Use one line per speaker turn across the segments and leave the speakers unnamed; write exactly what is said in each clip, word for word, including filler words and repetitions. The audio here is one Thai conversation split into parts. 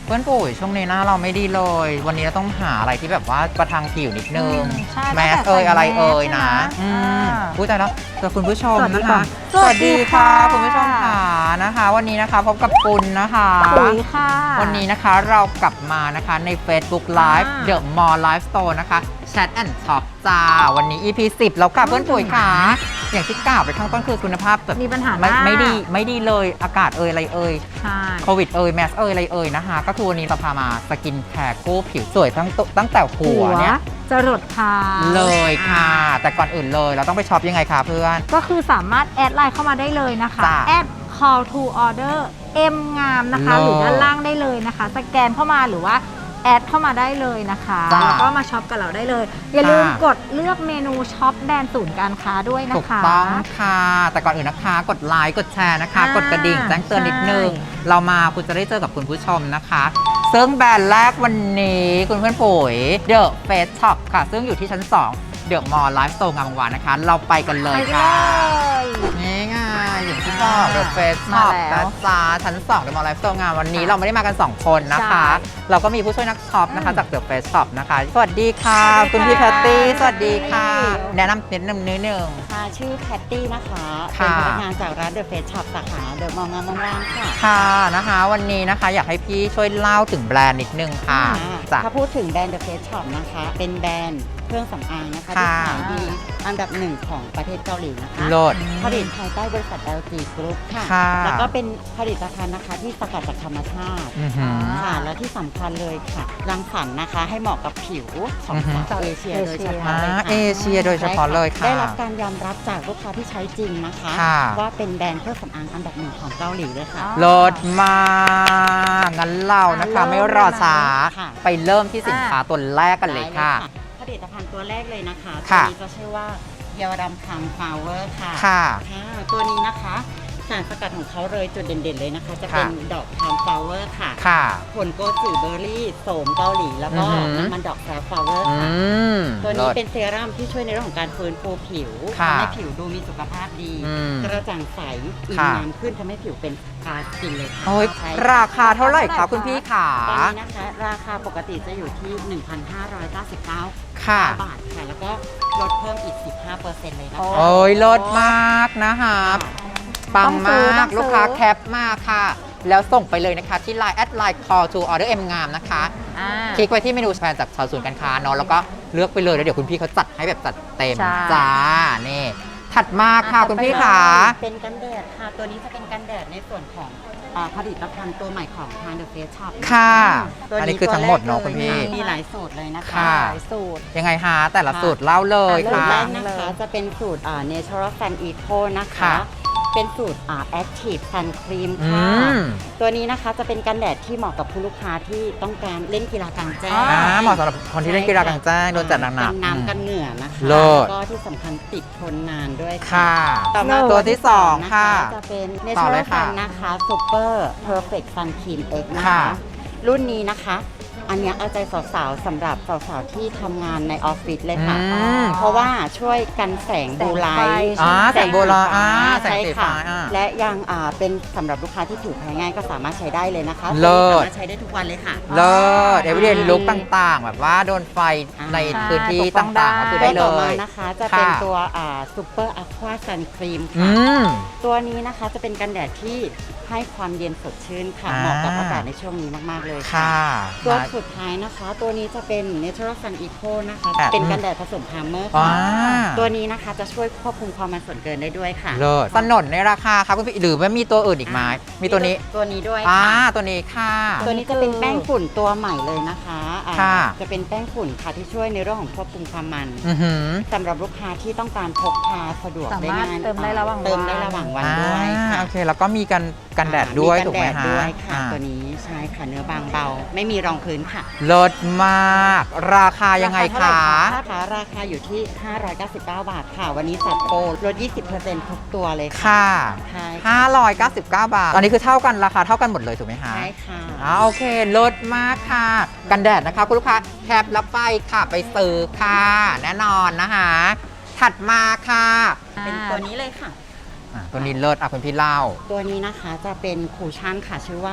เพื่อนปุ๋ยช่วงนี้หน้าเราไม่ดีเลย วันนี้เราต้องหาอะไรที่แบบว่าประทังผิวนิดนึงแมสเอยอะไรเอ่ยนะอืมพูดใจแล้วเจอคุณผู้ชมนะคะสวัสดีค่ะคุณผู้ชมค่ะนะคะ วันนี้นะคะพบกับปุณนะคะ
ปุ๋ยค่ะ
วันนี้นะคะเรากลับมานะคะใน Facebook Live The Mall Live Store นะคะ Chat and Talk จ้าวันนี้ อี พี สิบแล้วค่ะเพื่อนปุ๋ยค่ะอย่างที่กล่าวไปข้างต้นคือคุณภาพแบบ
มีปัญหา
ไม่ไม่ดีไม่ดีเลยอากาศเอ่ยอะไรเอ่ย
ใช่
โควิดเอ่ยแมสเอ่ยอะไรเอ่ยนะคะก็คือวันนี้จะพามาสกินแคร์กู้ผิวสวยทั้งตั้งแต่หัวเนี่ย
จะรดเท้า
เลยค่ะ แต่ก่อนอื่นเลยเราต้องไปช็อปยังไงคะเพื่อน
ก็คือสามารถแอดไลน์เข้ามาได้เลยนะคะแอด call to order เอ็มงามนะคะหรือด้านล่างได้เลยนะคะสแกนเข้ามาหรือว่าแอดเข้ามาได้เลยนะคะแล้วก็มาช็อปกับเราได้เลยอย่าลืมกดเลือกเมนูช็อปแบรนด์ศูนย์การค้าด้วยนะคะถูก
ต้องค่ะแต่ก่อนอื่นนะคะกดไลค์กดแชร์นะคะกดกระดิ่งแจ้งเตือนนิดนึงเรามาคุณจะได้เจอกับคุณผู้ชมนะคะซึ่งแบรนด์แรกวันนี้คุณเพื่อนปุ๋ย The Face Shop ค่ะซึ่งอยู่ที่ชั้นสองเดอะมอลล์ไลฟ์สโตร์งามวงวานนะคะเราไปกันเลยค่ะนี่ไงอย่างที่บอกเดอะเฟสช็อปนะจ๊ะชั้นสองเดอะมอลล์ไลฟ์สโตร์งามวันนี้เราไม่ได้มากันสองคนนะคะเราก็มีผู้ช่วยนักช็อปนะคะจากเดอะเฟสช็อปนะคะสวัสดีค่ะคุณพี่แพตตี้สวัสดีค่ะแนะนำนิดนึงนิดนึง
ค่ะชื่อแพตตี้นะคะเป็นพนักงานจากร้านเดอะเฟสช็อปสาขาเดอะมอลล์งามวงวานค่ะ
ค่ะนะคะวันนี้นะคะอยากให้พี่ช่วยเล่าถึงแบรนด์นิดนึงค่ะ
ถ้าพูดถึงแบรนด์เดอะเฟสช็อปนะคะเป็นแบรนด์เครื่องสำอางนะคะที่ขายดีอันดับหนึ่งของประเทศเกาหลีนะคะผลิตภายใต้บริษัท แอล จี Group ค่ะแล้วก็เป็นผลิตภัณฑ์นะคะที่สกัดจากธรรมชาติค่ะและที่สำคัญเลยค่ะรังสรรค์นะคะให้เหมาะกับผิวของสาวเอเชียโดยเฉพาะเลยค่ะ
เอเชียโดยเฉพาะเลยค่ะ
ได้รับการยอมรับจากลูกค้าที่ใช้จริงนะคะว่าเป็นแบรนด์เครื่องสำอางอันดับหนึ่งของเกาหลีเลยค่ะ
เลิศมากงั้นเรานะคะไม่รอช้าไปเริ่มที่สินค้าตัวแรกกันเลยค่ะ
ผลิตภัณฑ์ตัวแรกเลยนะคะตัวนี้จะชื่อว่าเยาวดำคังฟลาวเวอร์ค่ะค่ะตัวนี้นะคะสารสกัดของเขาเลยจุดเด่นๆเลยนะคะจะเป็นดอกคังฟลาวเวอร์ค่ะค่ะผลโกจิเบอร์รี่โสมเกาหลีแล้วก็น้ำมันดอกแซฟฟลาวเวอร์ค่ะตัวนี้เป็นเซรั่มที่ช่วยในเรื่องของการฟื้นฟูผิวทำให้ผิวดูมีสุขภาพดีกระจ่างใสอิ่มน้ำขึ้นทำให้ผิวเป็นกาสกินเลยค่ะ
ราคาเท่าไหร่คะคุณพี่ขา
ตอนนี้นะคะราคาปกติจะอยู่ที่ หนึ่งพันห้าร้อยเก้าสิบเก้า บาทค่ะแล้วก็ลดเพิ่มอีก สิบห้าเปอร์เซ็นต์ เลยนะคะ
โอ้ยลดมากนะคะปังมากลูกค้าแคปมากค่ะแล้วส่งไปเลยนะคะที่ ไลน์ แอดไลน์ call to order เอ็มงามนะคะคลิกไปที่เมนูแฟนจากชาวศูนย์การค้าเนาะแล้วก็เลือกไปเลยแล้วเดี๋ยวคุณพี่เขาจัดให้แบบจัดเต็มจ้านี่ถัดมาค่ะคุณพี่ขา
เป็นกันแดดค่ะตัวนี้จะเป็นกันแดดในส่วนของผลิตภัณฑ์ตัวใหม่ของทาง The Face Shop
ค่ะอันนี้คือทั้งหมดเนาะคุณพี่
มีหลายสูตรเลยนะคะหลาย
สูตร
ยังไงฮะแต่ละสูตรเล่าเลย
ค่ะสูตร
แร
กนะคะจะเป็นสูตร Natural Sun Eco นะคะเป็นสูตร Active Sun Cream ค่ะตัวนี้นะคะจะเป็นกันแดดที่เหมาะกับผู้ลูกค้าที่ต้องการเล่นกีฬากลางแจ้ง
เหมาะสำหรับคนที่เล่นกีฬากลางแจ้งโดนจัดหนักๆ
กันน้ำกันเหงื่อนะคะแล้วก็ที่สำคัญติดทนนานด้วยค่ะ
ต่อมาตัวที่สองค่ะ
จะเป็น Natural Sun นะคะ Super Perfect Sun Cream X นะคะรุ่นนี้นะคะอันนี้เอาใจสาวๆสำหรับสาวๆที่ทำงานในออฟฟิศเลยค่ะเพราะว่าช่วยกันแสงบูไลท์
แสงบูไลท์
ใช่ค่ะและยังเป็นสำหรับลูกค้าที่ผิวแพ้ง่ายก็สามารถใช้ได้เลยนะคะ
เลิศ
สามารถใช้ได้ทุกวันเลยค่ะ
เลิศเอเวอเรนลุคต่างๆแบบว่าโดนไฟในพื้นที่ต่างๆก็คือได้เลย
ต่อมานะคะจะเป็นตัวซูเปอร์อะควาซันครีมค่ะตัวนี้นะคะจะเป็นกันแดดที่ให้ความเย็นสดชื่นค่ะเหมาะกับอากาศในช่วงนี้มากๆเลยค่ะตัวสุดท้ายนะคะตัวนี้จะเป็น Natural Sun Eco นะคะเป็นกันแดดผสมพาร์เมอร์ค่ะตัวนี้นะคะจะช่วยควบคุมความมันส่วนเกินได้ด้วยค่ะ
เลิศสนนในราคาครับคุณพี่หรือว่ามีตัวอื่นอีกไหมมีตัวนี้
ตัวนี้ด้วย
อ่าตัวนี้ค่ะ
ตัวนี้จะเป็นแป้งฝุ่นตัวใหม่เลยนะคะจะเป็นแป้งฝุ่นค่ะที่ช่วยในเรื่องของควบคุมความมันสำหรับลูกค้าที่ต้องการพกพาสะดวกได้ง่าย
เติมได้ระหว่าง
เติมได้ระหว่างวันด้วย
โอเคแล้วก็มีกันกันแดดด้วยถูกไหม
คะด้วยค่ะตัวนี้ใช่ค่ะเนื้อบางเบาไม่มีรองพื้นค่ะ
ลดมากราคายังไงคะ
ราคาราคาอยู่ที่ห้าร้อยเก้าสิบเก้าบาทค่ะวันนี้จัดโปรลด ยี่สิบเปอร์เซ็นต์ ทุกตัวเลย
ค่ะห้าร้อยเก้าสิบเก้าบาทตอนนี้คือเท่ากันราคาเท่ากันหมดเลยถูกไหมคะ
ใช่ค่ะ
อ๋อโอเคลดมากค่ะกันแดดนะคะคุณลูกค้าแคปแล้วไปค่ะไปซื้อค่ะแน่นอนนะคะถัดมาค่ะ
เป็นตัวนี้เลยค่ะ
ตัวนี้เลิศอ่ะคุณพี่เล่า
ตัวนี้นะคะจะเป็นคูชั่นค่ะชื่อว่า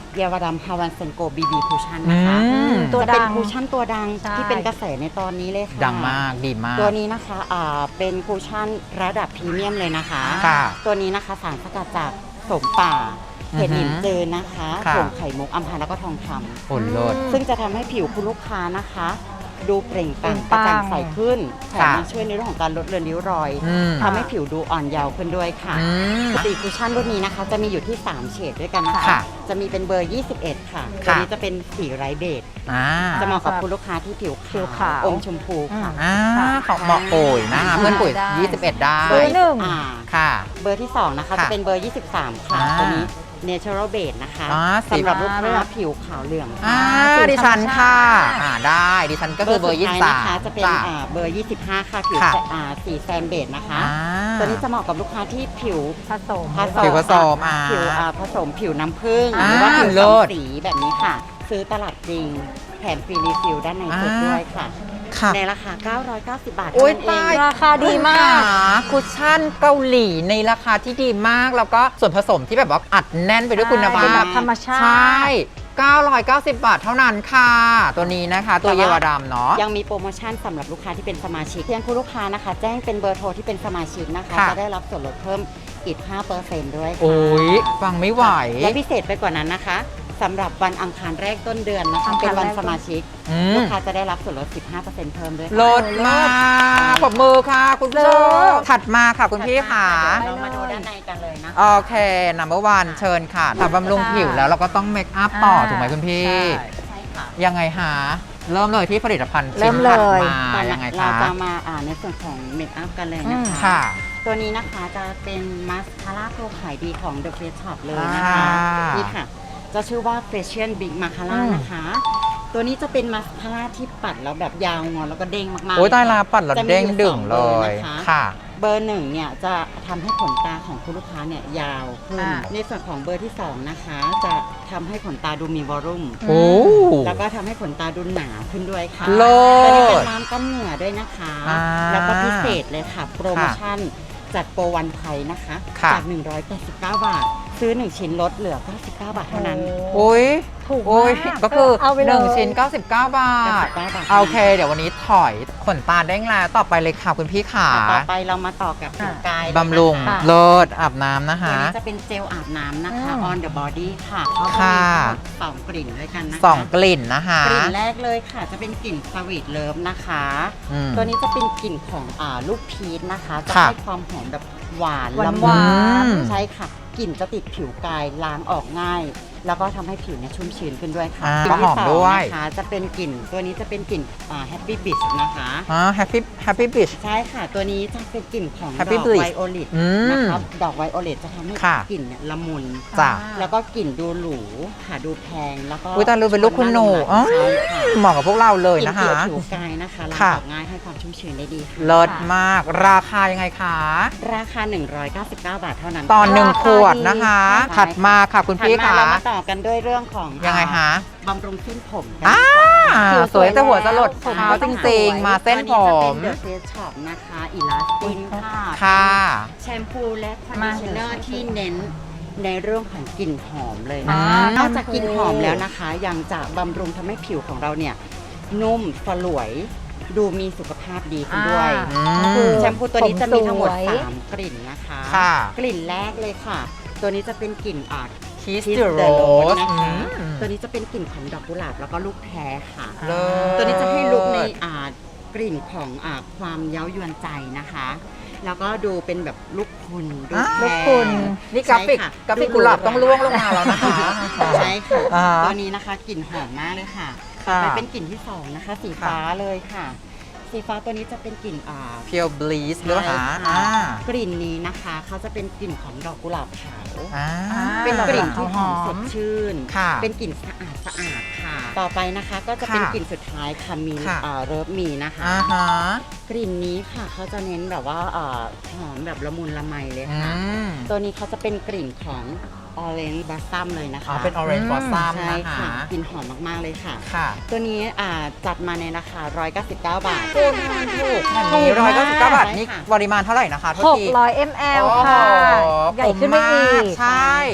เยาวรัมฮาวันเซนโกบีบีคูชั่นนะคะ
อืม
ตัว
จะ
ดั
เป็น
ง
คูชั่นตัวดัง
ใช่
ที่เป็นกระแสในตอนนี้เลยค่ะ
ดังมากดีมาก
ตัวนี้นะคะอ่าเป็นคูชั่นระดับพรีเมียมเลยนะคะ
ค่ะ
ตัวนี้นะคะสารสกัดจากโสมป่า
อือหือ
เห็ดหลินจืนนะคะ
ค่ะ
ผงไข่มุกอัมพันธ์แล้วก็ทองคำ
โอ้โลด
ซึ่งจะทำให้ผิวคุณลูกค้านะคะ ดูเปล่งปลั่ง
เป
ก
ล่
ระ
งปลั่ง
จ่างใสขึ้นแถม
ค่ะ
ยังช่วยในเรื่องของการลดเลือนริ้วรอย
อืม
ทำให้ผิวดูอ่อนเยาว์ขึ้นด้วยค่ะ
อืม
ปกติคุชชั่นรุ่นนี้นะคะ จะมีอยู่ที่สามเฉดด้วยกันนะคะ
ค่ะ
จะมีเป็นเบอร์ ยี่สิบเอ็ด ค่ะ
ค่ะ
ตัวนี้จะเป็นสีไร้เบจ
อ่า
จะเหมาะกับคุณลูกค้าที่ผิว
ผิว
ขาว
ขาว
อมชมพูค่ะ
อ่าเขาเหมาะปุ๋ยนะคะเพื่อนปุ๋ย
ได้
ยี่สิบเอ็ดได้
เบอร์หนึ่ง
อ่า
ค่ะ
เบอร์ที่สองนะคะ
ค่ะ
จะเป็นเบอร์ ยี่สิบสาม ค่ะ
อ่า
ตัวนี้ natural base นะคะ
อ่าสี
สำหรับลูกค้าผิวขาวเหลือง
อ่า
ค่ะ
ดิฉันค่ะ
ธรรมชาติ
อ่าได้ดิฉันก็คือเบอร์ยี่
สุ
สิ
ด
บ
ท้
สาม
นะคะจะเป็น
จ้ะ
อ่าเบอร์ ยี่สิบห้า ค่ะผิว
ค่ะ
อ่าสีแซนเบจนะคะ
อ่า
ตัวนี้จะเหมาะกับลูกค้าที่ผิว
ผสม
ผสม
ผิวผสมอ่า
ผิวอ่าผสมผิวน้ำผึ้ง
อ่า
หรือว่าผิว
เลิ
สอง
ศ
สีแบบนี้ค่ะ ซื้อตลาดจริงแถมฟรีรีฟิลด้านในสุด
อ่า
ด้วยค่ะ
ค่ะ
ในราคา เก้าร้อยเก้าสิบ บาท
โอ๊
เท่าย นั้นเอง
ตาย
ราคาดีมาก
คุชชั่นเกาหลีในราคาที่ดีมาก แล้วก็ส่วนผสมที่แบบว่าอัดแน่นไปด้วยคุณภา
เป็น
พ
แบบธรรมชาติ
ใช่ เก้าร้อยเก้าสิบ บาทเท่านั้นค่ะ ตัวนี้นะคะ ตัวเยาวดำเนาะ
ยังมีโปรโมชั่นสำหรับลูกค้าที่เป็นสมาชิกเพียงคุณลูกค้านะคะ แจ้งเป็นเบอร์โทรที่เป็นสมาชิกนะคะ
ค่ะ
จะได้รับส่วนลดเพิ่มอีก ห้าเปอร์เซ็นต์ ด้วยค่ะ
โอ้ยฟังไม่ไหว
และพิเศษไปกว่านั้นนะคะสำหรับวันอังคารแรกต้นเดือนนะคะ
อังคาร
เป็นวัน
แรก
สมาชิก
อืม
ลูกค้าจะได้รับส่วนลด สิบห้าเปอร์เซ็นต์ เพิ่มด้วย
ล
ค่ะ
ดมากปรบมือค่ะ คุณผู้ชมถัดมาค่ะคุณพี่ค่ะ
เดี๋ยวเรามาดูด้านในกันเลยนะ
โอเค number one เชิญค่ะทำบำรุงผิวแล้วเราก็ต้องเมคอัพต่อ ถูกไหมคุณพี่
ใช่ค่ะ
ยังไงหา เริ่มเลยที่ผลิตภัณฑ์
เริ่
ชิ้น
มเลย
ถัดมา
ตอน
ยังไง
เรา
คะ
จะมาอ่านในส่วนของเมคอัพกันเลยนะ
อืม
คะ
ค่ะ
ตัวนี้นะคะจะเป็นมาสคาร่าตัวขายดีของ The Face Shop เลยนะ
อ่า
คะนี่ค่ะ จะชื่อว่า Facial Big Mascara
อืม
นะคะ ตัวนี้จะเป็นมาสคาร่าที่ปัดแล้วแบบยาวงอนแล้วก็เด้งมากๆ
โอ้ย
เล
ตาย
ค่ะ
ลาปัดแล้ว
จะมี
เด้ง
อยู่
ดึง
สอง
เล
บอร์
ย
นะคะ
ค่ะ
เบอร์หนึ่งเนี่ยจะทำให้ขนตาของคุณลูกค้าเนี่ยยาวขึ้น
อ่า
ในส่วนของเบอร์ที่สองนะคะ จะทำให้ขนตาดูมีวอลลุ่ม
โอ้
แล้วก็ทำให้ขนตาดูหนาขึ้นด้วยค่ะ
เลิ
ตัวนี้เป็
ศ
นน้ำกันเหงื่อด้วยนะคะ
อ่า
แล้วก็พิเศษเลยค่ะ โปรโมชั่นจัดโปรวันไทยนะคะ
ค่ะ
จาก หนึ่งร้อยแปดสิบเก้า บาท ซื้อ หนึ่ง ชิ้นลดเหลือ เก้าสิบเก้า บาทเท่านั้น
โอ้ย
ถูก
โอ้ย
มาก
ก็คือ
เอาไปเลย
หนึ่งชิ้น เก้าสิบเก้า บาท
เก้าสิบเก้าบาท
โอเค เดี๋ยววันนี้ถอยขนตาเด้งแล้วต่อไปเลยค่ะคุณพี่ขา
ต่อไปเรามาต่อกับผิวกาย
บำรุง
นะคะ
เลิศอาบน้ำนะ
ตัว
คะ
นี้จะเป็นเจลอาบน้ำนะคะ
อืม
on the body ค่ะเขาจะ
ค่ะ
มีทั้งหมดสองกลิ่นด้วยกันนะคะ
สองกลิ่นนะคะ
กลิ่นแรกเลยค่ะ จะเป็นกลิ่นสวีทเลิฟนะคะ
อืม
ตัวนี้จะเป็นกลิ่นของอ่าลูกพีชนะคะ จะ
ค่ะ
ให้ความหอมแบบหวาน
หวาน
ละ
ห
มุ
วาน น
อืม
ใช่ค่ะกลิ่นจะติดผิวกายล้างออกง่าย แล้วก็ทำให้ผิวเนี่ยชุ่มชื้นขึ้นด้วยค่ะ
อ่าก
ลิ่นที่
หอม
สอง
ด้วย
นะคะจะเป็นกลิ่นตัวนี้จะเป็นกลิ่นอ่า Happy Beach นะคะ
อ๋อ happy happy beach
ใช่ค่ะ ตัวนี้จะเป็นกลิ่นของด
Happy
อก
Beach
ไวโอเลต
อืม
นะครับดอกไวโอเลตจะทำให้
ค่ะ
กลิ่นเนี่ยละมุน
จ้ะ
แล้วก็กลิ่นดูหรูค่ะดูแพงแล้วก็
อุ๊ยตายรู้เป็นลูกคุณหนูอ๋อ
ใช่ค่ะ
เหมาะกับพวกเราเลย
กลิ่น
นะคะ
เกี่ยวผิวกายนะคะล้าง
ค่ะ
ออกง่ายให้ความชุ่มชื้นได้ดีค่ะ
เลิศมาก ราคายังไงคะ
ราคา หนึ่งร้อยเก้าสิบเก้า บาทเท่านั้น
ตอนหนึ่ง
ราคา
ขวดนะคะ
ดี
ถัดมาค่ะคุณ
ถัด
พี่
มา
ค่ะ
เรามาต่อกันด้วยเรื่องของ
ยังไงคะ
บำรุงเส้นผมกัน
อ่า
ดีกว่า
ผิว
สวยแต่หัวจะหลด
ผม
เท้า
ก็
จ
ต้อง
ริง
สวย
ๆ มาเส้นผม
ตัวนี้จะเป็น The Face Shop นะคะอีลาสตินค่ะ
ค่ะ
แชมพูและคอนดิ
มา
ชเนอร์ที่เน้นในเรื่องของกลิ่นหอมเลย
อื
นะคะ
ม
นอกจากกลิ่นหอมแล้วนะคะ ยังจะบำรุงทำให้ผิวของเราเนี่ยนุ่มสลวย ดูมีสุขภาพดีขึ้นด้วย
อืม
คือ
แชมพูตัวนี้จะมีทั้งหมด
ผมสวย
สามกลิ่นนะคะ
ค่ะ
กลิ่นแรกเลยค่ะ ตัวนี้จะเป็นกลิ่นอ่า
Kiss
Kiss
the
the
Rose
Rose นะคะ
อืม
ตัวนี้จะเป็นกลิ่นของดอกกุหลาบแล้วก็ลูกแพรค่ะ
เลิศ
ตัวนี้จะให้ลุกในอ่ากลิ่นของอ่าความเย้ายวนใจนะคะ แล้วก็ดูเป็นแบบลูกคุณดู
อ่า
แพร
ลูกคุณ
นี่กราฟิก
ใช่ค่ะ
กราฟิกกุหลาบต้องล่วงลงมาแล้วนะคะ
ใช่ค่ะ
อ่า
ตัวนี้นะคะกลิ่นหอมมากเลยค่ะ
ค่ะ
ต่อไปเป็นกลิ่นที่สองนะคะ สีฟ้าเลยค่ะ สีฟ้าตัวนี้จะเป็นกลิ่นอ่า
เพียวบลีสหรือเปล่าคะ
ใช่
อ่า
ค่ะกลิ่นนี้นะคะเขาจะเป็นกลิ่นของดอกกุหลาบขาว
อ่า
เป็นกลิ่น
ห
ที่
อม
หอมสดชื่น
ค่ะ
เป็นกลิ่นสะอาดสะอาดค่ะ ต่อไปนะคะก็จะเป็น
ค่ะ
กลิ่นสุดท้ายค่ะมี
ค่ะ
เอ่อเริฟมีนะคะ
อ่าฮะ
กลิ่นนี้ค่ะเขาจะเน้นแบบว่าเอ่อหอมแบบละมุนละไมเลย
อื
ค่ะ
ม
ตัวนี้เขาจะเป็นกลิ่นของ Orange Blossom เลยนะคะ
อ๋อเป็น orange
อืม
blossom
ใช่
นะ
ค่ะ
คะ
กลิ่นหอมมากๆเลยค่ะ
ค่ะ
ตัวนี้อ่าจัดมาในราคาหนึ่งร้อยเก้าสิบเก้า บาท
คุณถูกอันนี้ร้อยเก้าสิบเก้าบาทนี่
ใช่ค่ะ
ปริมาณเท่าไหร่นะคะโทษที
หกร้อยมิลลิลิตร ค่ะ
โอ้โห
ใหญ่ขึ้นไปอี
ผมมาก
ก
ใช่
ค่ะ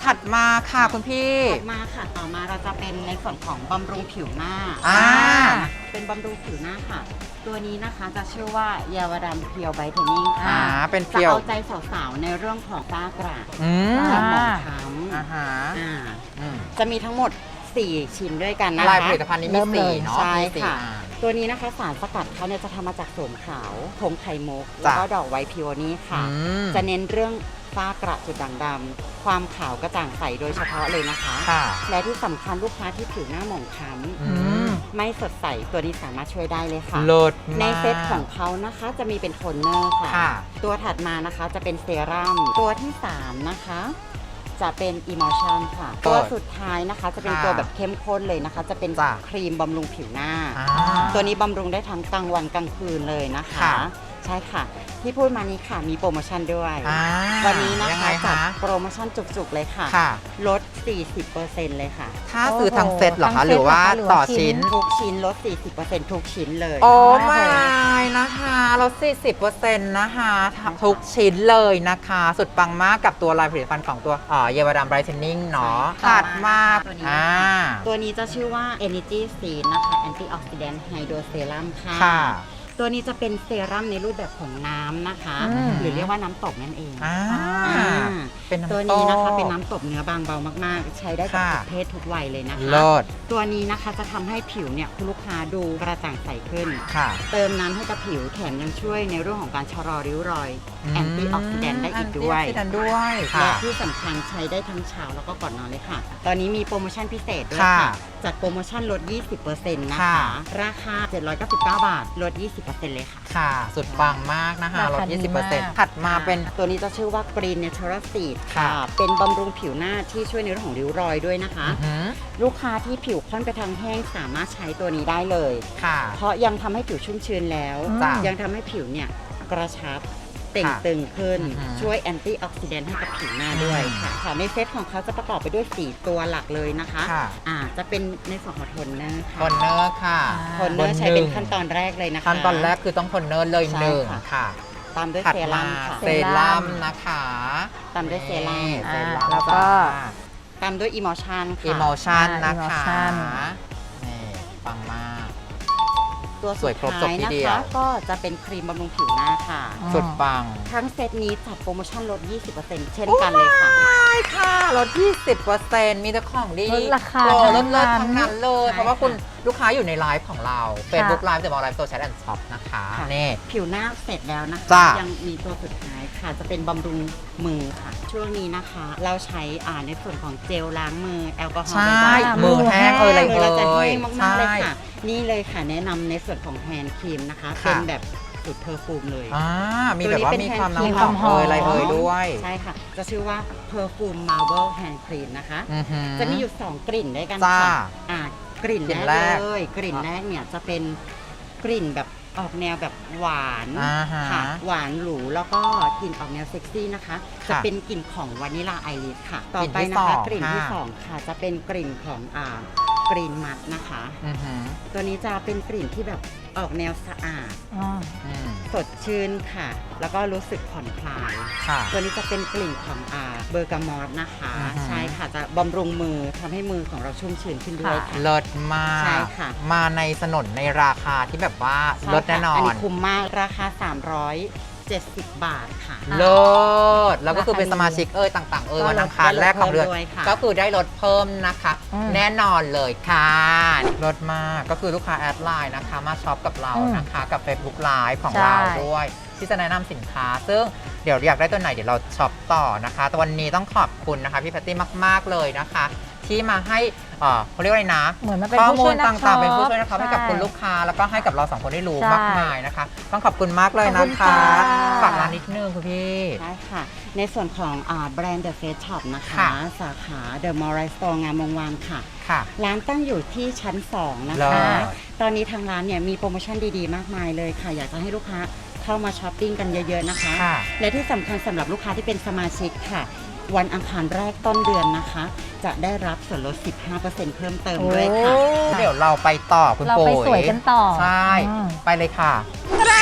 ถัดมาค่ะคุณพี่
ถัดมาค่ะต่อมาเราจะเป็นในส่วนของบำรุงผิวหน้า
อ่า
เป็นบำรุงผิวหน้าค่ะ ตัวนี้นะคะจะชื่อว่าเยาวดำเพียวไบเทนนิ่ง
อ่า
ค่ะ
เป็น
จะ
เพียว
เอาใจสาวๆในเรื่องของฝ้ากระ
อืม
จะหมอง
อ่า
คล้ำ
อ่าฮะ
อ่า
อืม
จะมีทั้งหมดสี่ชิ้นด้วยกันนะคะ
ลายผลิตภัณฑ์นี้มี
เริ่มเลย
สี่เนาะ
ใช่
มีสี่
ค่ะ
อ่า
ตัวนี้นะคะสารสกัดเขาเนี่ยจะทำมาจากโสมขาวผงไข่มุก
จ้ะ
แล้วก็ดอกไวท์พิวนี่ค่ะ
อืม
จะเน้นเรื่องฝ้ากระจุดด่างดำความขาวกระจ่างใสโดยเฉพาะเลยนะคะ
ค่ะ
และที่สำคัญลูกค้าที่ผิวหน้าหมองคล้
อืม
ำไม่สดใสตัวนี้สามารถช่วยได้เลยค่ะ
เลิศมาก
ในเซตของเขานะคะจะมีเป็นโทนเนอร์ค่ะ
ค่ะ
ตัวถัดมานะคะจะเป็นเซรั่มตัวที่สามนะคะ จะเป็น Emulsion ค่ะ
เปิด
ตัวสุดท้ายนะคะจะเป็น
ค่ะ
ตัวแบบเข้มข้นเลยนะคะ จะเป็น
จ้ะ
ครีมบำรุงผิวหน้า
อ่า
ตัวนี้บำรุงได้ทั้งกลางวันกลางคืนเลยนะคะ
ค่ะ
ใช่ค่ะ ที่พูดมานี้ค่ะมีโปรโมชั่นด้วย
อ่า
วันนี้นะ
ยัง
คะ
ไง
จัด
คะ
โปรโมชั่นจุกๆเลยค่ะ
ค่ะ
ลด สี่สิบเปอร์เซ็นต์ เลยค่ะ
ถ้าซื้อทั้งเซตเหรอ
ทั้
คะ
งเซต
หรือว่า
เหรอคะหรือว่า
ต่อ
ชิ้
ชิ้
น
น
ทุกชิ้นลด สี่สิบเปอร์เซ็นต์ ทุกชิ้นเลย
โอ้
โอ้โห
ไม่นะคะลดสี่สิบเปอร์เซ็นต์นะคะ ทุกชิ้นเลยนะคะ สุดปังมากกับตัวลายผลิตภัณฑ์ของตัวเอ่อเยาวดำไบรท์เทนนิ่งเนาะ
ใช่ค่ะ
ถัดมา
ตัวนี้
อ่า
ตัวนี้จะชื่อว่า Energy Seed นะคะ Antioxidant Hydro Serum ค่ะ
ค่ะ
ตัวนี้จะเป็นเซรั่มในรูปแบบของน้ำนะคะ
อืม
หรือเรียกว่าน้ำตกนั่นเอง
อ่า
อ่า
เป็นน้ำ
ตัวนี้นะคะ
โต้
เป็นน้ำตบเนื้อบางเบามากๆ ใช้ได้กับ
ค่ะ
ทุกเพศทุกวัยเลยนะคะ
เลิศ
ตัวนี้นะคะจะทำให้ผิวเนี่ยคุณลูกค้าดูกระจ่างใสขึ้น
ค่ะ
เติมน้ำให้กับผิวแถมยังช่วยในเรื่องของการชะลอริ้วรอย
ม
แอนตี้ออกซิแดนต์ได้อีกด้วย
แอนตี้ออกซิแดนต์ด้วย
และ
ค่ะ
ที่สำคัญใช้ได้ทั้งเช้าแล้วก็ก่อนนอนเลยค่ะ ตอนนี้มีโปรโมชั่นพิเศษด้วย
ค่ะ
ค่ะ จัดโปรโมชั่นลด ยี่สิบเปอร์เซ็นต์ นะ
ค่ะ
คะ ราคา เจ็ดร้อยเก้าสิบเก้า บาท ลด ยี่สิบเปอร์เซ็นต์ เลยค่ะ
ค่ะ สุดปังมากนะคะ ลด
ราคาดี
ยี่สิบเปอร์เซ็นต์
มาก
ถัดมาเป็น
ตัวนี้จะชื่อว่า Green Natural Seed
ค่ะ
ค่ะ เป็นบำรุงผิวหน้าที่ช่วยในเรื่องของริ้วรอยด้วยนะคะ
อื้อหือ
ลูกค้าที่ผิวค่อนไปทางแห้งสามารถใช้ตัวนี้ได้เลย
ค่ะ
เพราะยังทำให้ผิวชุ่มชื้นแล้ว
จ้ะ
ยังทำให้ผิวเนี่ยกระชับเต่ง
ค่ะ
ตึงขึ้น
อือฮึ
ช่วยแอนตี้ออกซิแดนต์ให้กับผิวหน้าด้วย
อืม
ค่ะค่ะในเซตของเขาจะประกอบไปด้วยสี่ตัวหลักเลยนะคะ
ค่ะ
อ่าจะเป็นในส่วนของโทนเนอร์ค่ะ
คอนเนอร์ค่ะ
โทนเนอร์ใช้เป็นขั้นตอนแรกเลยนะคะ
ขั้นตอนแรกคือต้องคอนเนอร์เลย
ใช่
หนึ่ง
ค่ะ
ค่ะ
ตามด้วย
ถัด
เซ
มา
รั่มค่ะ
เซรั่มนะคะ
ตามด้วยเซรั่ม
นี่เซ
อ่า
รั่ม
แล้วก็
ตามด้วยอิมอชันค่ะ
อิม l ชัน
อ่า
นะคะ
Emulsion
นี่ปังมาก
ตัว
ส
สุ
วย
ด
ครบจบ
ท้าย
ที
นะ
เดียว
คะก็จะเป็นครีมบำรุงผิวหน้าค่ะ
อืม
สุดปัง
ทั้งเซตนี้จัดโปรโมชั่นลด ยี่สิบเปอร์เซ็นต์ เช่นกันเลยค่ะ
ใช่ค่ะลด ยี่สิบเปอร์เซ็นต์ มีแต่ของดี
ลดราคา
โปรล
ทั้
ด
ง
เลิศ
นั้น
ทั้งนั้นเลย
ใช่
เพราะว่า
ค่ะ
คุณลูกค้าอยู่ในไลฟ์ของเรา Facebook Live เดอะมอลล์ไลฟ์โซเชียลแอนด์ช็อปนะคะ
ค่ะ
นี่
ผิวหน้าเสร็จแล้วนะคะ
จ้ะ
ยังมีตัวสุดท้ายค่ะ จะเป็นบำรุงมือค่ะ ช่วงนี้นะคะ เราใช้อ่าในส่วนของเจลล้างมือแอลกอฮอล์
ใช่
บ่อย
มือแห้งเอ่ยอะไร
ๆมือ
เอ่
เราจะแห้
ย
งมาก
ใช่
ๆเลยค่ะ นี่เลยค่ะแนะนำในส่วนของแฮนด์ครีมนะคะ
ค่ะ
เป็นแบบสูตรเพอร์ฟูมเลย
อ่ามีแบบว่ามีความ
ตัวนี้
น้ำห
เป็น
อม
แฮนด์ครีม
เอ่ยอะไรเอ่ยด้วย
ใช่ค่ะ จะชื่อว่า Perfume Marble Hand Cream นะคะ
อือหือ
จะมีอยู่ สอง กลิ่นด้วยกัน
จ้า
ค่ะอ่ากลิ่น
กลิ่น
แร
แร
ก
ก
เลย กลิ่นแรกเนี่ยจะเป็นกลิ่นแบบออกแนวแบบหวาน
อ่าฮะ
ค่ะ หวานหรูแล้วก็กลิ่นออกแนวเซ็กซี่นะคะ
ค่ะ
จะเป็นกลิ่นของวานิลาไอริสค่ะ ต่อก
ลิ่น
ไป
ที่
นะคะ
สอง
กลิ่นที่
ค่ะ
สองค่ะ จะเป็นกลิ่นของอ่ากรีนมัดนะคะ
อือหือ
ตัวนี้จะเป็นกลิ่นที่แบบออกแนวสะอาด
อ๋อ
อืม
สดชื่นค่ะ แล้วก็รู้สึกผ่อนคลาย
ค่ะ
ตัวนี้จะเป็นกลิ่นของอ่าเบอร์กามอสนะคะ
อือฮึ
ใช่ค่ะ จะบำรุงมือทำให้มือของเราชุ่มชื้นขึ้นด้วยค่ะ
เลิศมาก
ใช่ค่ะ
มาในสนนในราคาที่แบบว่า
ใช่
เลิศแน่นอ
ค่ะอัน
น
นี้คุ้มมาก ราคา สามร้อยเจ็ดสิบ บาทค่ะ
เลิศแล้วก็คือ
ราคา
เป็น
ดี
สมาชิกเอ่ยต่างๆ เอ่ย
ก็
วัน
ลด
อังคารแรกของเดือน
ได้ลดเพิ่มด้วยค่ะ
ก็คือได้ลดเพิ่มนะคะ
อืม
แน่นอนเลยค่ะลดมากก็คือลูกค้าแอดไลน์นะคะ มาช็อปกับเรา
อืม
นะคะ กับ Facebook Live ของ
ใช่
เราด้วย ที่จะแนะนำสินค้า ซึ่งเดี๋ยวอยากได้ตัวไหนเดี๋ยวเราช็อปต่อนะคะแต่วันนี้ต้องขอบคุณนะคะพี่แพตตี้มาก ๆ เลยนะคะ ที่มาให้เอ่อเขาเรียกว่าอะไรนะ
เหมือนมันเป็น
ข้อ
ผู้
มู
ช่ว
ล
ยนัก
ต่างๆ เป็นผู้ช่วย
ช็
นะ
อป
ครับให้กับ
ใช่
คุณลูกค้าแล้วก็ให้กับเราสองคนได้รู้
ใช่
มากมายนะคะ ต้องขอบคุณมากเลย
ขอบ
นะ
คุณ
คะ
ค่ะ
ฝากร้านนิดนึงคุณพี่
ใช่ค่ะ ในส่วนของอ่าแบรนด์ The Face Shop นะคะ
ค่ะ
สาขา The Mall Right Store งามวงวานค่ะ
ค่ะ
ร้านตั้งอยู่ที่ชั้น สอง นะ
เลิ
คะ
ศ
ตอนนี้ทางร้านเนี่ยมีโปรโมชั่นดีๆ มากมายเลยค่ะ อยากจะให้ลูกค้าเข้ามาช้อปปิ้งกันเยอะๆนะคะ
ค่ะ
และที่สำคัญสำหรับลูกค้าที่เป็นสมาชิกค่ะ วันอังคารแรกต้นเดือนนะคะ จะได้รับส่วนลด สิบห้าเปอร์เซ็นต์ เพิ่มเติมด้วยค่ะ
เดี๋ยวเราไปต่อคุณ
เรา
โป๋
ไป
ย
สวยกันต่อ
ใช่
อืม
ไปเลยค่ะ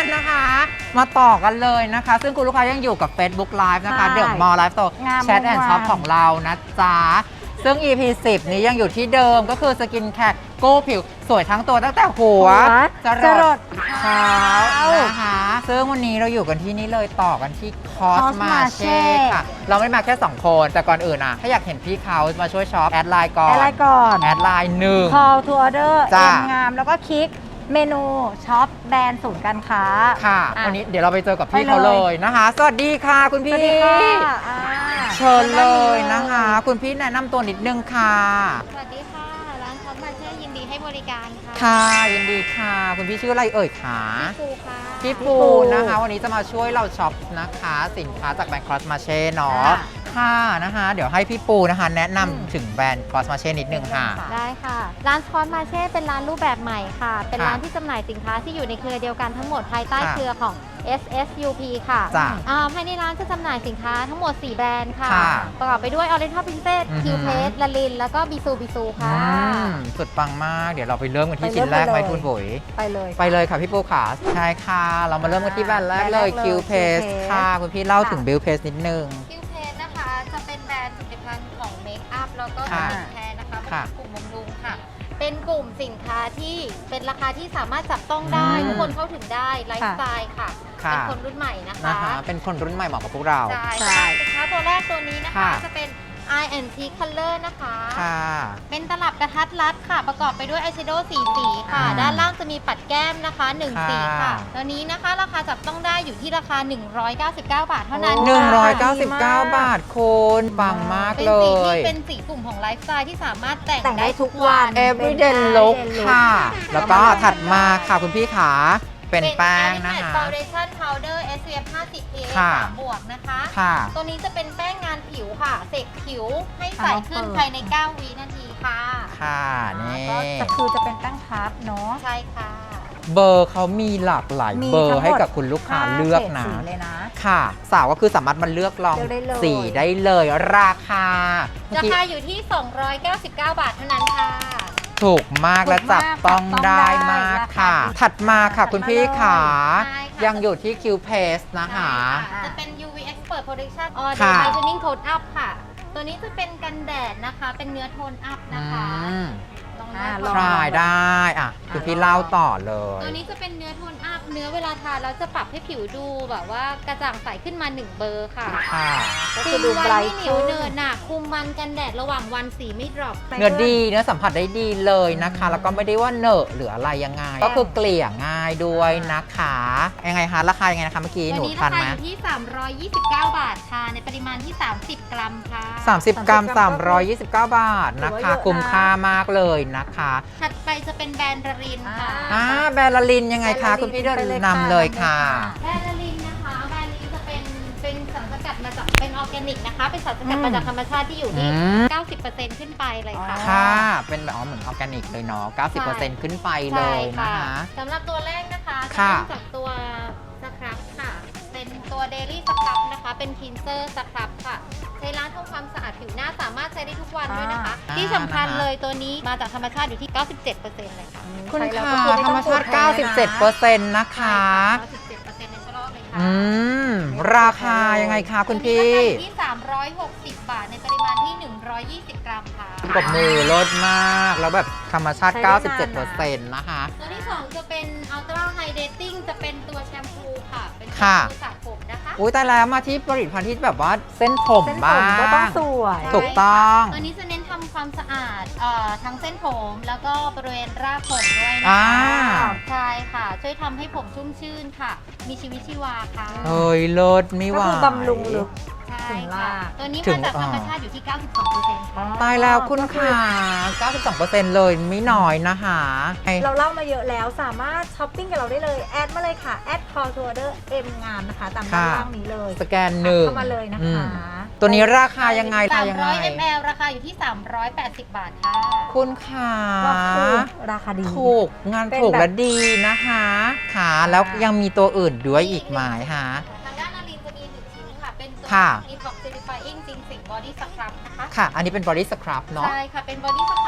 นะคะ มาต่อกันเลยนะคะ ซึ่งคุณลูกค้ายังอยู่กับ Facebook Live นะคะ
ใช่
เดอะมอลล์ไลฟ์สโตร์
งาม
แชทแอนด์ช็อป
วงวาน
ของเรานะจ๊ะ ซึ่ง อี พี สิบ นี้ยังอยู่ที่เดิมก็คือสกินแคร์กู้ผิวสวยทั้งตัวตั้งแต่หัว
จร
จร
ด
ดเท้านะคะ ซึ่งวันนี้เราอยู่กันที่นี่เลยต่อกันที่คอสมาเช่
Cosmarché
ค่ะ เราไม่ได้มาแค่ สอง คน แต่ก่อนอื่นอ่ะ ถ้าอยากเห็นพี่เขามาช่วยช็อป แอดไลน์ก่อน
แอดไลน์ก่อน
แอดไลน์หนึ่ง
call to order
จ้ะ
เอ็มงามแล้วก็คลิกเมนูช็อปแบรนด์ศูนย์การค้า
ค่ะ
อ่ะ
วันนี้เดี๋ยวเราไปเจอกับพี่
ไปเลย
เขาเลยนะคะ สวัสดีค่ะคุณ
ส
พี่
วัสดีค่ะอ่า
เชิญเลยนะคะ คุณพี่แนะนำตัวนิดนึงค่ะ
สวัสดีค่ะ ร้านคอสมาเช่ยินดีให้บริการค่ะ
ค่ะยินดีค่ะ คุณพี่ชื่ออะไรเอ่ยคะ
ครูค่ะ
พี่ปูนะคะ วันนี้จะมาช่วยเราช็อปนะคะ สินค้าจากแบรนด์คอสมาเช่เนาะ
ค่ะ
ค่ะนะคะ เดี๋ยวให้พี่ปูนะคะ แนะ
อืม
นำถึงแบรนด์คอสมาเช่นิดนึงค่ะ
ได้ค่ะ ร้านคอสมาเช่เป็นร้านรูปแบบใหม่ค่ะ เป็น
ค่ะ
ร้านที่จำหน่ายสินค้าที่อยู่ในเครือเดียวกันทั้งหมดภายใต้
ค่ะ
เครือของ เอส เอส ยู พี ค่ะ
จ้ะ
อ่าภายในร้านจะจำหน่ายสินค้าทั้งหมด สี่ แบรนด์ค่ะ
ค่ะ
ประกอบไปด้วย Oriental Princess
อือหือ
Q Face ลลิน แล้วก็บิซูบิซู
อื
ค่ะ
มสุดปังมาก เดี๋ยวเราไปเริ่มกันที่
ไปเริ่
ชิ้
ม
นแรกไหม
ไปเลย
คุณบุ๋ย
ไปเลย
ไปเลยค่ะพี่ปูขาใช่ค่ะ เรามาเริ่มกันที่แบรนด์แรกเลย
แบรนด์แรกเลย
Q Paste
Q Paste
ค่ะ คุณพี่เล่า
ค่ะ
ถึง Build Paste นิดนึง
Q Face นะคะ จะเป็นแบรนด์ผลิตภัณฑ์ของเมคอัพแล้วก็ส
ค่ะ
กินแคร์นะคะ
ค่ะ
เป็นกลุ่มบำรุงค่ะ เป็นกลุ่มสินค้าที่เป็นราคาที่สามารถจับต้องได้
อืม
ทุกคนเข้าถึงได้ไลฟ์สไตล์ค่ะ
ค่ะ
เป็นคนรุ่นใหม่นะคะ
นะคะ เป็นคนรุ่นใหม่เหมาะกับพวกเรา
ใช่
ใช่
ค่ะสินค้าตัวแรกตัวนี้นะคะ
ค่ะ
จะเป็น Eye and Cheek Color นะคะ
ค่ะ
เป็นตลับกระทัดรัดค่ะ ประกอบไปด้วยอายแชโดว์สีสีค่ะ
อืม
ด้านล่างจะมีปัดแก้มนะคะหนึ่ง
ค่ะ
สีค่ะ ตัวนี้นะคะราคาจับต้องได้อยู่ที่ราคา หนึ่งร้อยเก้าสิบเก้า บาทเท่านั้น
หนึ่งร้อย
ค่ะ
เก้าสิบเก้า บาทคุณปังมาก
เป็น
เล
สีที่
ย
เป็นสีกลุ่มของไลฟ์สไตล์ที่สามารถแต่ง
แต่งได้
ได้
ทุ
ทุ
ก
ก
วั
วัน น
everyday
everyday
look
look
ค่ะ แล้วก็ถัดมาค่ะคุณพี่ขาเป็นแป้งนะคะ
เป็น Foundation Powder เอส พี เอฟ ห้าสิบ พี เอ
ค่ะ
สามบวกนะคะ
ค่ะ
ตัวนี้จะเป็นแป้งงานผิวค่ะ เสกผิวให้ใสขึ้น
เอามาเปิด
ภายใน เก้า วินาทีค่ะ
ค่ะนี่
ก็จะคือจะเป็นแป้งพับเนาะ
ใช่ค่ะ
เบอร์เขามีหลากหลาย
มี
เบอ
ทั้
ร์
งหมด
ให้กับคุณลูกค้าเลือกนะ
ห้าเฉดสีเลยนะ
ค่ะ สาวก็คือสามารถมาเลือกลอง
เลือกได้เลย
สีได้เลยราคาเมื่อ
รา
กี้
คาอยู่ที่ สองร้อยเก้าสิบเก้า บาทเท่านั้นค่ะ
ถูกมากและจับต้องได้มากค่ะ ถัดมาค่ะคุณพี่ขา
ใช่ค่ะ
ยังอยู่ที่ Q Paste นะคะ
ใช่ค่ะจะเป็น ยู วี Expert Protection All
ค่ะ
Day Brightening Tone Up ค่ะ ตัวนี้จะเป็นกันแดดนะคะ เป็นเนื้อโทนอัพ
อื
นะคะ
ม
ลอง
อ่า
เลือก
ล
ก่
อง
อน
ทรายได้อ่ะคุณพี่เล่าต่อเลย
ตัวนี้จะเป็นเนื้อโทนอัพ เนื้อเวลาทาแล้วจะปรับให้ผิวดูแบบว่ากระจ่างใสขึ้นมาหนึ่งเบอร์ค่ะ
ค่ะ
ก็
คุ
คือ
ม
ดู
วั
ไบร
น
ท์
ไม่เหนียวเนินหนาคุมมันกันแดดระหว่างวันสีไม่ดรอป
เนื้อดีเนื้อสัมผัสได้ดีเลยนะคะ แล้วก็ไม่ได้ว่าเหนอะหรืออะไรยังไง ก็คือเกลี่ยง่ายด้วยนะคะยังไงคะราคายังไงนะคะเมื่อกี้
ตัว
หนู
นี้
ทั
ราน คา
ไหม
อยู่ที่ สามร้อยยี่สิบเก้า บาทค่ะ ในปริมาณที่ สามสิบ กรัมค่ะ
สามสิบกรัมสามร้อยยี่สิบเก้า บาทนะคะ
ถือว่าเยอะนะ
คุ้มค่ามากเลยนะคะ
ถัดไปจะเป็นแบรนด์ระรินค่ะ
อ่าแบรนด์ละลินยังไงคะ คุณพี่เดิน
ไปเลย
นำเลยค่ะ
แบรนด์ละลินนะคะ แบรนด์นี้จะเป็นเป็นสารสกัดมาจากเป็นออร์แกนิกนะคะ เป็นสารสกัด
อืม
มาจากธรรมชาติที่อยู่ที่
อืม
เก้าสิบเปอร์เซ็นต์ ขึ้นไปเลยค่ะ
อ๋อ
ค่ะ เป็นแบบอ๋อเหมือนออร์แกนิกเลยเนาะ เก้าสิบเปอร์เซ็นต์ ขึ้นไปเล
ใช่
ยนะ
ค่ะ
คะ
สำหรับตัวแรกนะคะจะ
ค่ะ
เริ่มจากตัวสครับค่ะ เป็นตัวเดลี่สครับนะคะ เป็นคลีนเซอร์สครับค่ะ ใช้ล้างทำความสะอาดผิวหน้าสามารถใช้ได้ทุกวันด้วยนะคะ
อ่า
ที่สำคัญ
นะคะ
เลยตัวนี้มาจากธรรมชาติอยู่ที่ เก้าสิบเจ็ดเปอร์เซ็นต์ เลยค่ะ
คุณ
ใช้แล้ว
ค่ะ
ก็คือไม่
ธร
ต้
ร
อ
ม
ง
ชาติ
กดแพ้
เก้าสิบเจ็ดเปอร์เซ็นต์ นะคะ
เก้าสิบเจ็ดเปอร์เซ็นต์ ในชะลอเลยค่ะ
อืม ราคายังไงคะคุณพี่
ตัวนี้ราคาอยู่ที่ สามร้อยหกสิบ บาท ในปริมาณที่ หนึ่งร้อยยี่สิบ กรัมค่ะ
ปรบมือลดมาก แล้วแบบธรรมชาติ
ใช้ได้
เก้าสิบ
นา
เจ็ด
น
เปอร์เซ็นต์
นะ
นะคะ
ตัวที่สองจะเป็น Ultra Hydrating จะเป็นตัวแชมพูค่ะ เป็นแชม
ค่ะ
พูสระผมนะคะ
อุ้ยแต่แล้วมาที่ผลิตภัณฑ์ที่แบบว่าเส้นผม
เส้นผ
บ้าม ง
ก็ต้องสวย
ถูกต้อง
ตัวนี้จะเน้นทำความสะอาดเอ่อทั้งเส้นผมแล้วก็บริเวณรากผมด้วยนะ
อ่า
คะใช่ค่ะ ช่วยทำให้ผมชุ่มชื่นค่ะ มีชีวิตชีวาค่ะ
เฮ้ยลดไม่ไหว
ก็คือบำรุงลึก
ใช่
ถึง
ค่ะ
ราก
ตัวนี้
ถึ
มาง จากธรรม
อ่า
ชาติอยู่ที่ เก้าสิบสองเปอร์เซ็นต์ ค่ะ
ตายแล้วคุณค่ะ เก้าสิบสองเปอร์เซ็นต์ เลยไม่น้อยนะคะไอ้
เราเล่ามาเยอะแล้วสามารถช้อปปิ้งกับเราได้เลย แอดมาเลยค่ะ แอด call to order เอ็มงามนะคะ ตามด้านล่างนี้เลย
สแกนหนึ่ง
เข้ามาเลยนะ
อื
คะ
มตัวนี้ราคายังไง
สาม
ยังไง
ร้อยมิลลิลิตร ราคาอยู่ที่ สามร้อยแปดสิบ บาทค่ะ
คุณค่ะ
ก็คือราคาดี
ถูกงาน
เป็น
ถูก
แบบ
และดีนะคะค่ะแล้วยังมีตัวอื่นด้วยอีกไหมคะ
ทางด้านนารินจะมีหนึ่งชิ้นค่ะ เป็นตัว
ค่ะ
Detox Certifying จริงสิง Body Scrub นะคะ
ค่ะ อันนี้เป็น body scrub เนาะ
ใช่ค่ะ เป็น Body Scrub เป็น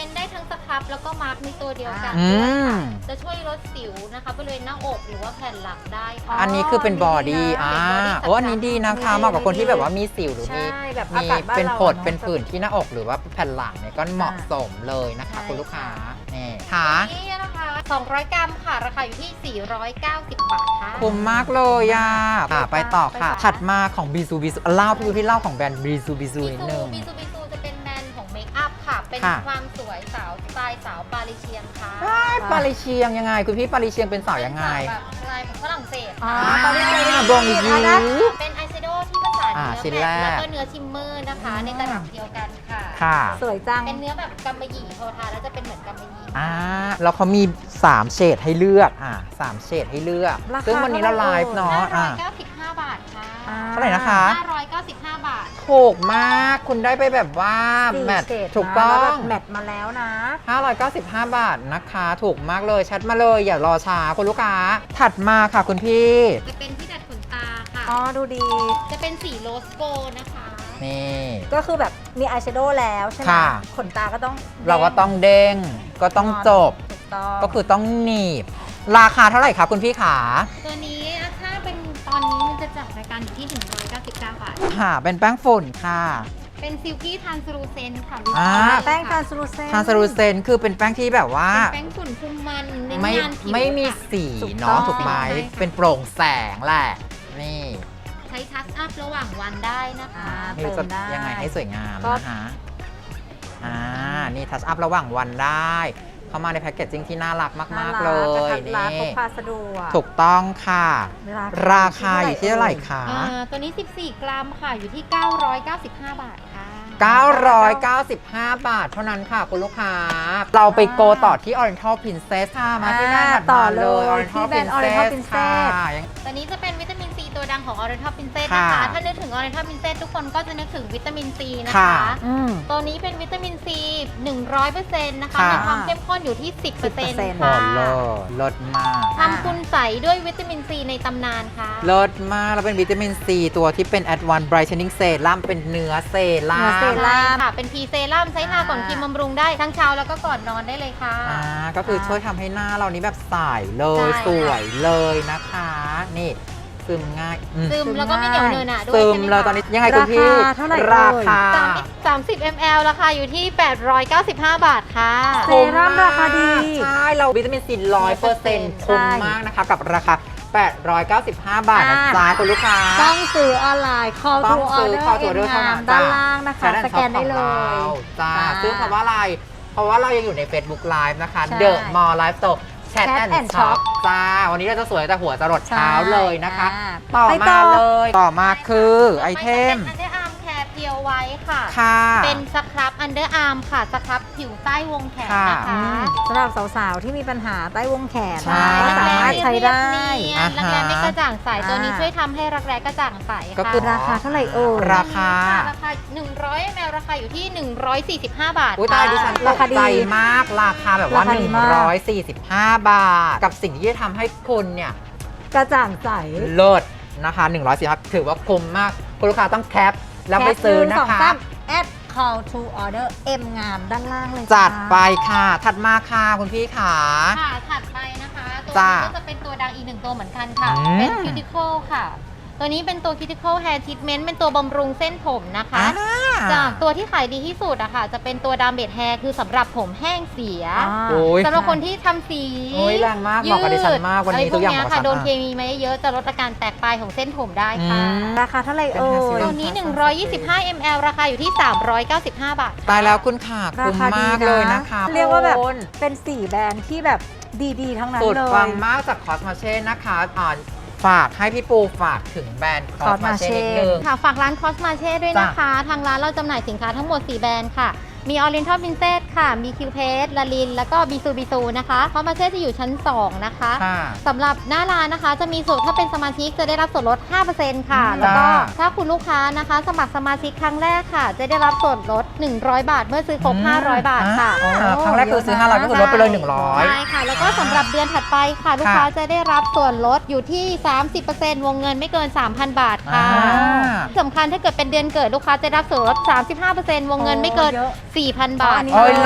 เป็นได้ทั้งสครับแล้วก็มาร์กในตัวเดียวกัน
อื
ด้วย
ม
ค่ะจะช่วยลดสิวนะคะบริเวณหน้าอกหรือว่าแผ่นหลังได้ค่ะ
อันนี้คือเป็นบอดี้
ดีนะ
อ่า
เป็น body
โอ้อันนี้ดีนะคะ
ดี
เหมาะกับคนที่แบบว่ามีสิวหรือมี
ใช่แบบ
มี
อากาศบ้าน
เป็น
เรา
ผด
อะเนอะ
เป็นผื่นที่หน้าอกหรือว่าแผ่นหลังเนี่ยก็เหมาะสมเลยนะคะ
ใช่
คุณลูกค้านี่ค่ะ
นี่นะคะสองร้อยกรัมค่ะ ราคาอยู่ที่ สี่ร้อยเก้าสิบ บาทค่ะ
คุ้มมากเลยอ่ะค่ะไปต่อค่ะ
ไปต่อ
ถัดมาของบีซูบีซูเล่าพี่ดูที่เล่าของแบรนด์บีซูบีซู
บิ
นิด
ซู
นึง
บิซูบิซูจะเป็นแบรนด์ของเมคอัพค่ะ เป็น
ค่ะ
ความสวยสาวสไตล์สาวปาริเชียงค่ะ
อ้ายปาริเชียงยังไง คุณพี่ปาริเชียงเป็นสาวยังไง
เป็นสาวแบบลายของฝรั่งเศส
อ๋อ
ค่ะ
ตอนนี้เลย
บองยู
เป็นอายแชโดว์ที่ผสาน
อ่า
เนื้อ
ชิ้น
แม
แร
ต
ก
ต์แล้วก็เนื้อชิมเมอร์นะคะ ในตลับเดียวกันค่ะ
ค่ะ
สวยจัง
เป็นเนื้อแบบกำมะหยี่พอทาแล้วจะเป็นเหมือนกำมะหยี่
อ่าแล้วเขามีสามเฉดให้เลือกอ่าสามเฉดให้เลือก
ราคา
ซึ่งวันนี้เราไลฟ์เนาะ
ห้าร้
อ่า
อยเก้าสิบห้า บาทค่ะ
อ่า
เท่าไหร่นะคะ
ห้าร้อยเก้าสิบห้า บาท
ถูกมากคุณได้ไปแบบว่า
สี่
แมท
เฉด
ถูกต้อ
นะแล้ว
ง
แบบแมทมาแล้วนะ
ห้าร้อยเก้าสิบห้า บาทนะคะ ถูกมากเลยแชทมาเลยอย่ารอช้าคุณลูกค้า ถัดมาค่ะคุณพี่
จะเป็นที่ดัดขนตาค่ะ
อ๋อ ดูดี
จะเป็นสีโรสโกนะคะ
นี่
ก็คือแบบมีอายแชโดว์แล้วใช่ไหม
ค่ะ
ขนตาก็ต้อง
เราก็ต้องเด้งก็ต้องจบ
ถูกต้อง
ก็คือต้องหนีบ ราคาเท่าไหร่คะคุณพี่ขา
ตัวนี้ถ้าเป็นตอนนี้มันจะจัดรายการอยู่ที่ หนึ่งร้อยเก้าสิบเก้า บาท
ค่ะเป็นแป้งฝุ่นค่ะ
เป็นซิลกี้ทานสลูเซนค่ะ
อ่า
แป้งทรานสลูเซน
ทานสรูเซนคือเป็นแป้งที่แบบว่า
เป็นแป้งฝุ่นคุมมันเน้น
ไม่
งานผิว
ไม่มี
ค่ะ
สี
ถูกต้
เนาะ
อง
ถูกไหม
ใช่ค่ะ
เป็นโปร่งแสงแหละ นี่
ใช้ทัชอัพระหว่างวันได้นะคะ
อ่า
ไม่รู้จะ
เติมได้
ยังไงให้สวยงาม
ก็
นะคะอ่านี่ทัชอัพระหว่างวันได้ เข้ามาในแพ็กเกจจิ้งที่น่ารักมาก ๆ เล
กระ
ย
ทัดรัดพ
นี่
กพาสะดวก
ถูกต้องค่ะ
รา
ราคาอยู่ที่เท่าไหร่คะ
อ่าตัวนี้ สิบสี่ กรัมค่ะ อยู่ที่ เก้าร้อยเก้าสิบห้า บาทค่ะ
เก้าร้อยเก้าสิบห้า บาทเท่านั้นค่ะคุณลูกค้า เราไปโกต่อที่ Oriental Princess ค่ะมาที่หน้าถัด
ต่อ
มา
เล
เลย
ย
Oriental
ที่แบรนด์ Oriental
Princess ค่ะ
Princess
ยัง
ตัวนี้จะเป็นวิตามินซีตัวดังของ Oriental Princess
ค่ะ
นะคะ ถ้านึกถึง Oriental Princess ทุกคนก็จะนึกถึงวิตามินซีนะ
ค่ะ
คะ
อืม
ตัวนี้เป็นวิตามินซี หนึ่งร้อยเปอร์เซ็นต์ นะคะ
ค่ะ
มีความเข้มข้นอยู่ที่ สิบเปอร์เซ็นต์
สิบเปอร์เซ็นต์
โอ้
ค่ะ
เลิศเลิศมาก
ทำคุณใสด้วยวิตามินซีในตำนานค่ะ
เลิศมาก แล้วเป็นวิตามินซีตัวที่เป็น Advanced Brightening Serum เป็นเนื้อเซรั่
เนื้อเซ
ม
รั่ม
ค่ะ เป็นพีเซรั่มใช้ทาก่อน
อ่า
กินบำรุงได้ทั้งเช้าแล้วก็ก่อนนอนได้เลยค่ะ
อ่าก็คือช่วยทำให้หน้าเรานี้แบบใสเลย
ใช่
สวยเลยนะคะ นี่ซึมง่ายอืม
ซึมแล้วก็ไม่เหนียวเนอะหนะด้วย
ซึม
ใช่ไหม
แล้ว
คะ
ตอนนี้ยังไงคุณพี่
ราคาเท่าไหร่
ราคา
สามสิบ มิลลิลิตร ราคาอยู่ที่ แปดร้อยเก้าสิบห้า บาทค่ะ
เซรั่มราคาดี
ใช่ เราวิตามินซีร้อยเปอร์เซ็นต์คุ้มมากนะคะ กับราคา แปดร้อยเก้าสิบห้า บาทนะจ๊ะคุณลูกค้า
ต้องซื้อออนไลน์ call
ต้อ
to
งซื้อ
order
call to order
เอ็มงาม
เท่านั้น
ด้านล่างนะคะ
ใช้ใน
สแกนได้เล
ช็อป
ย
ของเราจ้า
จ้า
ซึ่งเพราะว่าอะไร เพราะว่าเรายังอยู่ใน Facebook Live นะคะ
ใช่
The Mall Live Store Chat
Chat
and
and
Shop
Shop
จ้า วันนี้เราจะสวยแต่หัวจรดเท้า
ใช่
เลยนะคะ
อ่า
ต่อ
ไป
มา
ต่อ
เลย ต่อมาคือไอเทม
อันเดอร์อาร์มแคร์เพียวไว้ค่ะ
ค่ะ
เป็นสครับอันเดอร์อาร์มค่ะ สครับผิวใต้วงแขนนะ
ค่ะ
คะ
สำหรับสาวๆ ที่มีปัญหาใต้วงแขน
ใช่
ก็สามารถใช้ได้
อ่า
รัก
ฮะ
แร้ไม่กระจ่างใส ตัวนี้
อ่า
ช่วยทำให้รักแร้กระจ่างใสค่ะ
ก็คือ
ราคาเท่าไหร่เอ่ย
ราคา
ราคา หนึ่งร้อย มิลลิลิตร ราคาอยู่ที่ หนึ่งร้อยสี่สิบห้า บาท
อุ้ยตายดิฉันต
ราก คาดี
ใจมากราคาแบบว่า
ราคาดีมาก
หนึ่งร้อยสี่สิบห้า บาท กับสิ่งที่จะทำให้คุณเนี่ย
กระจ่างใส
เลิศนะคะหนึ่งร้อยสี่สิบห้าถือว่าคุ้มมาก คุณลูกค้าต้องแคปแล้วไปซื้อนะ
แปหงสง
คะ
สามแอด call to order เอ็มงามด้านล่างเลย
จัด
จ้า
ไปค่ะ ถัดมาค่ะคุณพี่ขา
ค่ะ ถัดไปนะคะ ตัว
จ้า
นี้ก็จะเป็นตัวดังอีกหนึ่งตัวเหมือนกันค่ะ
อืม
เป็น Cuticle ค่ะ ตัวนี้เป็นตัว Cuticle Hair Treatment เป็นตัวบำรุงเส้นผมนะคะ
อ่า
จากตัวที่ขายดีที่สุดอะค่ะ จะเป็นตัวดามเบดแฮร์คือสำหรับผมแห้งเสีย
อ่า
โอ้ย
สำหรับคนที่ทำสี
โอ้ยแรงมากเหมาะกับดิฉันมากวันนี้
ะไรพ
ทุกอย่าง
เนี้
เหมาะกับ
ค่ะ
ฉัน
โดน
มาก
เคมีมาเยอะๆจะลดอาการแตกปลายของเส้นผมได้ค่ะ
อืม
ราคาเท่าไหร่เอ่
เป็น
ย
ห้าสิบ
ตัวนี้ หนึ่งร้อยยี่สิบห้า มิลลิลิตร ราคาอยู่ที่ สามร้อยเก้าสิบห้า บาท
ตายแล้วคุณค่ะ
รา
คุ้ม
คาดี
มาก
นะ
เลยนะคะ
เรียกว่าแบบ
คุณ
เป็นสี่แบรนด์ที่แบบดีๆ ทั้งนั้น
สุด
เลย
ฟังมากจากคอสมาเช่นะคะอ่าฝากให้พี่ปูฝากถึงแบรนด์คอสมาเช่
Cosmache
นิดนึง
ค่ะ ฝากร้าน Cosmache ด้วยนะคะ ทางร้านเราจำหน่ายสินค้าทั้งหมด สี่ แบรนด์ค่ะ มี Oriental Princess ค่ะ มี Q p a s e ลาลิน แล้วก็ Bisu Bisu นะคะ Cosmache จะอยู่ชั้น สอง นะคะ
ค่ะ
สำหรับหน้าร้านนะคะ จะมีส่วนถ้าเป็นสมาชิกจะได้รับส่วนลด ห้าเปอร์เซ็นต์ ค่ะ แล้วก็
จ้า
ถ้าคุณลูกค้านะคะ สมัครสมาชิกครั้งแรกค่ะ จะได้รับส่วนลด หนึ่งร้อย บาท เมื่อซื้อครบ ห้าร้อย บาทค่ะ
อ่าครั้งแรกคือซื้อห้าร้อยก็คือลดไปเลยหนึ่งร้อย
ใช่ค่ะ แล้วก็สำหรับเดือนถัดไปค่ะ ลูกค้าจะได้รับส่วนลดอยู่ที่ สามสิบเปอร์เซ็นต์ วงเงินไม่เกิน สามพัน บาทค่ะ
อ่า
สำคัญถ้าเกิดเป็นเดือนเกิดลูกค้าจะได้รับส่วนลด สามสิบห้าเปอร์เซ็นต์ วงเงินไม่เกิน
โอ้เยอะ
สี่พัน บาท
อ๋ออันนี้
โอ้ยเลิ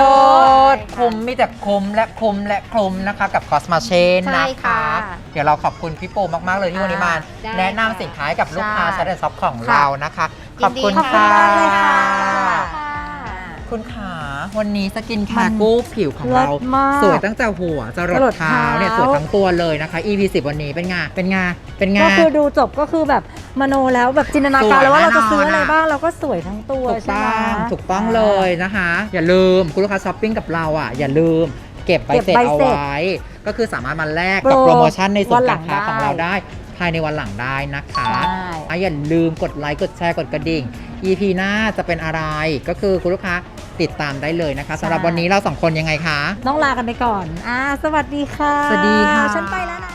ดคุ้มมีแต่คุ้มและคุ้มและคุ้มนะคะกับคอสมาเชน
ใช่
นะ
ค่ะ
คะ เดี๋ยวเราขอบคุณพี่โปมาก ๆ เลยที่วันนี้มา
ได้
แนะนำสินค้าให้กับลูกค้า
ใช่
ชั้นและซ็อปของเรานะคะ ขอบคุณ
ยินดี
ค่ะ
ขอบคุณมากเลยค่ะ
คุณขาวันนี้สกินแค
มัน
ร์กู้ผิวของเรา
เลิศมาก
สวยตั้งแต่หัวจรด
จรด
เท้า
เท้า
เนี่ยสวยทั้งตัวเลยนะคะ อี พี สิบวันนี้เป็นไงเป็นไงเป็นไง
ก็คือดูจบก็คือแบบมโนแล้วแบบจินตนาการ
สวย
แล้วว่าเราจะซื้อ
แน่นอน
อะไร
อะ
บ้างเราก็สวยทั้งตัว
ถูก
ใช่
ต้
ไหม
องถูกต้องเลยนะคะ อย่าลืมคุณลูกค้าช้อปปิ้งกับเราอ่ะ อย่าลืมเก็บใบ
เก็บ
เสร็จ
ใบ
เอา
เสร็จ
ไว้ ก็คือสามารถมาแลกกับ
โปร
โปรโมชั่นในส่วน
วันหลั
การ
ง
ค้าของเรา
ได้
ได้ภายในวันหลังได้นะคะ
ใช่
อ่ะอย่าลืมกดไลค์กดแชร์กดกระดิ่ง อี พี หน้าจะเป็นอะไรก็คือคุณลูกค้าติดตามได้เลยนะคะสำหรับวันนี้เราสองคนยังไงคะ
ต้องลากันไปก่อนอ่าสวัสดีค่ะ
สวัสดีค่ะ
ฉันไปแล้วนะ